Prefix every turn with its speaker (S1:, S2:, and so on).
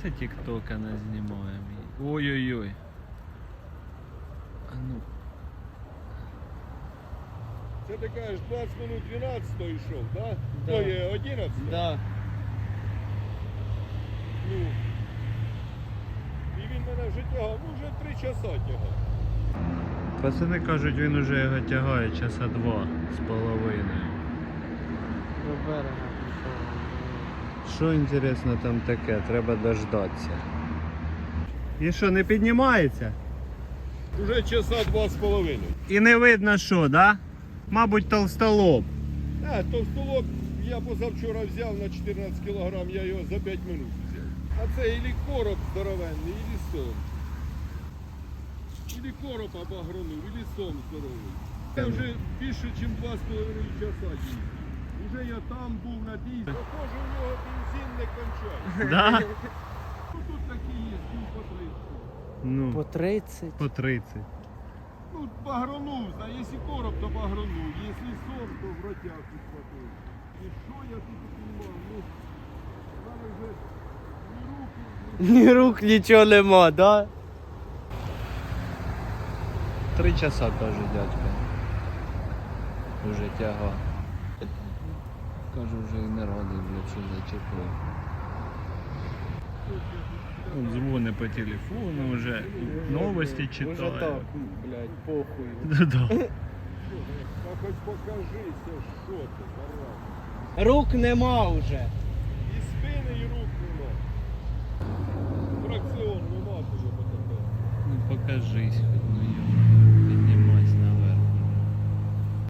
S1: це тік-тока не знімаємо. Ой-ой-ой. А ну.
S2: Це ти кажеш 20 минут 12 йшов, так?
S3: Да.
S2: То є 11?
S3: Да.
S2: Ну. І він мене вже тягав, ну вже 3 часа тягав.
S1: Пацани кажуть, він уже його тягає часа 2,5.
S3: До берега пішов.
S1: Що інтересно там таке? Треба дождатися. І що, не піднімається?
S2: Уже часа 2,5.
S1: І не видно що, да? Мабуть, толстолоб.
S2: Товстолоб я позавчора взяв на 14 кг, я його за 5 минут взяв. А це ілі короб здоровенний, ілі сом. Ілі короб обагронув, ілі сом здоровий. Це вже більше, ніж 2,5 часа їздив. Уже я там був на дійсі. Похоже, у нього бензин не кончає.
S1: Да?
S2: Ну тут такі є, по 30.
S1: Ну,
S3: По 30.
S1: по 30.
S2: Ну, багронув, а якщо короб, то багронув, якщо сом, то в ротяг підхватив. І що я тут знімав? Ну, зараз вже ні руки,
S3: Ні рук, нічого нема, да?
S1: 3 часа каже дядько. Уже тяга. Кажу, вже і не радий, блядь, що зачепив. От дзвони по телефону, вже новості читає.
S3: Уже так, блядь, похуй.
S1: Да-да.
S2: та хоч покажися, що ти, зараза.
S3: Рук нема вже.
S2: І спини, і рук нема. Фракціон нема тобі потепер.
S1: Ну покажись хоч.